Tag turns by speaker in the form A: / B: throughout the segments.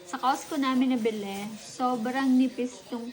A: Sa Costco namin nabili, sobrang nipis tong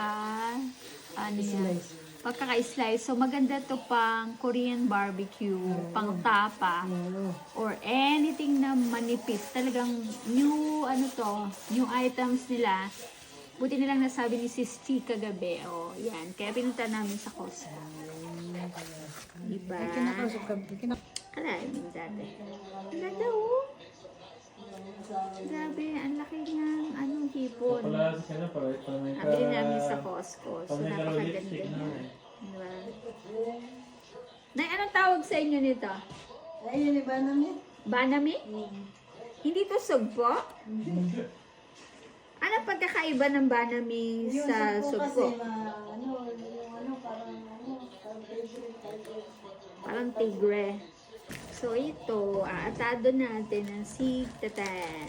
A: pagkaka-slice. So maganda to pang Korean barbecue, pang tapa, or anything na manipis. Talagang new items nila. Buti nilang nasabi ni Sis Chi kagabi. Oh, yan. Kaya pinunta namin sa Costco. Diba? Kalahin mo dati. Ganda oh. Grabe, ang laki ng hipon. Nabili namin sa Costco. So, napakaganda niya. Diba? Nay, anong tawag sa inyo nito?
B: Ayun, Banami.
A: Banami? Hindi to sugpo? Ano pagkakaiba ng banami sa sugpo? Parang tigre. So, ito, aatado natin ang sigtatan.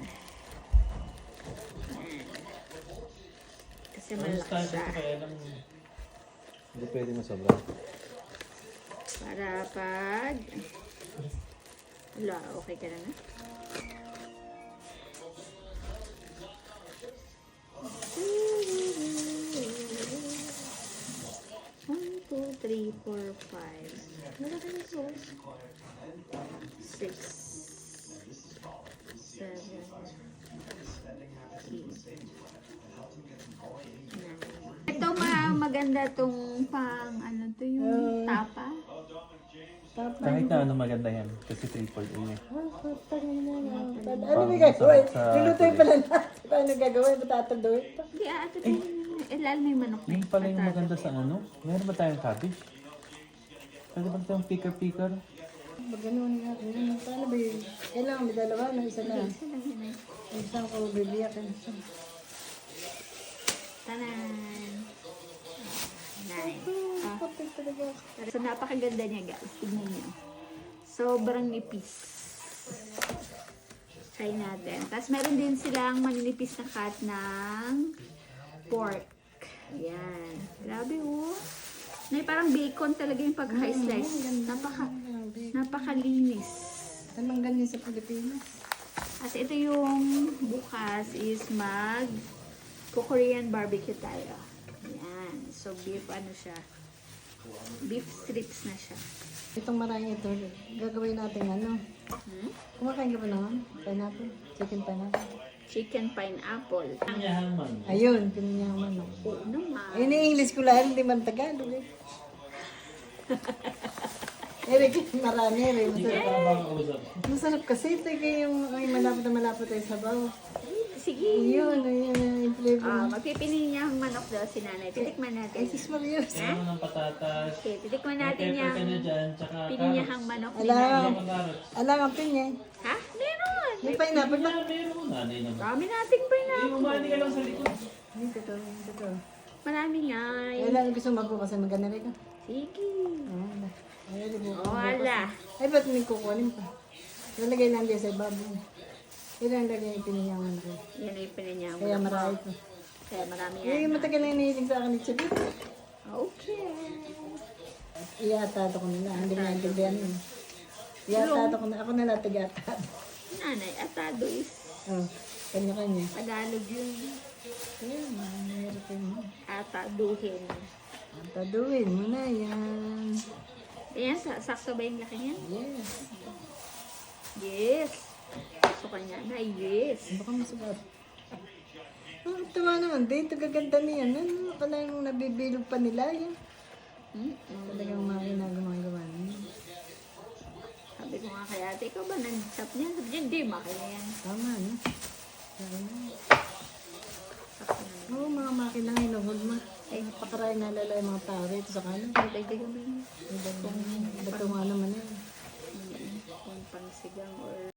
A: Kasi malaki siya.
C: Hindi pwede masobra.
A: Para pag... Wala, okay ka na na? One, two, three, four, five. Wala ka na sauce. 6, 7, 8, 9. Ito maganda tong pang yung tapa.
C: Kahit na ano maganda yan. Kasi triple A eh.
B: Ano may gagawin? Nilutoy pala natin. Paano gagawin? Matatandoy pa.
A: Hindi, ito lalo may manok na
C: Yung pala yung maganda sa ano. Meron ba tayong cabbage? Pwede ba tayong picker-picker?
B: Maganoon nga. Paano ba yun? Kailangan may dalawa na isa na.
A: Isa lang yun eh.
B: Isang ko bibiyak.
A: Tanan! 9. So, napakaganda niya guys. Tignan niyo. Sobrang nipis. Try natin. Tapos meron din silang maninipis na cut ng pork. Ayan. Grabe oh. May parang bacon talaga yung pagka-slice. Napakalinis.
B: Anong ganyan sa Pilipinas?
A: At ito yung bukas is Korean barbecue tayo. Ayan. So beef siya. Beef strips na siya.
B: Itong marami ito, gagawin natin Kumakain ka ba naman? Pineapple? Chicken pineapple?
A: Chicken pineapple.
C: Pinyahang man.
B: Ayun, pinyang manok.
A: Oo naman.
B: Ayun yung English ko lang, hindi man Tagalog eh. Eric, marami rin. Masarap kasi ito yung malapot ay sabaw.
A: Sige.
B: Ayun yung flavor.
A: Magpipili niya ang manok daw si nanay. Titikman natin.
B: Ay, sis Marios.
C: Ano ng patatas.
A: Okay, titikman natin yung
C: Tsaka
A: pininyahang manok ni nanay.
B: Alam ang pinya.
A: Ha? Meron!
B: May pineapple ba?
C: Meron nanay naman.
A: Dami nating pineapple.
C: Umani ka lang sa likod.
B: Ito.
A: Marami nga.
B: Kailangan gusto mapo kasi maganda rin.
A: Sige.
B: Wala.
A: Wala.
B: Ay, ba't may kukunin pa? Lalagay lang din sa ibabaw. Ilan lagay yung pininyangan ko.
A: Yan ay pininyahang
B: Kaya
A: manok.
B: marami ko.
A: Kaya marami
B: Yung
A: yan.
B: matagal na iniisip sa akin ni Chibit.
A: Okay.
B: Iatado ko nila. Hindi na naintindihan yun. Iatado ko na. Ako na natin iatado.
A: Nanay, atado is
B: Oh, kanya-kanya.
A: Tagalog yun.
B: Kaya, mahirap yun.
A: Ataduhin.
B: Ataduin mo na yan.
A: Ayan, sakto ba yung laki niya?
B: Yes.
A: Yes. Gusto ka niya na, yes.
B: Baka masugat. Oh, tuwa naman. Dito gaganda niyan. Ano ka na yung nabibilog pa nila yan? Talagang mga ginagawa niya.
A: Sabi ko nga kay ate, ikaw ba nag-tap niya? Sabi niya, hindi, makina yan.
B: Tama, no?
A: Sakto na.
B: Oo, mga makina ngayon, huwag ma. Napakaray nalala yung mga tao rito sa kanan.
A: Dagdagan mo yun.
B: Ba't nga naman yan?
A: Kung pangsigang or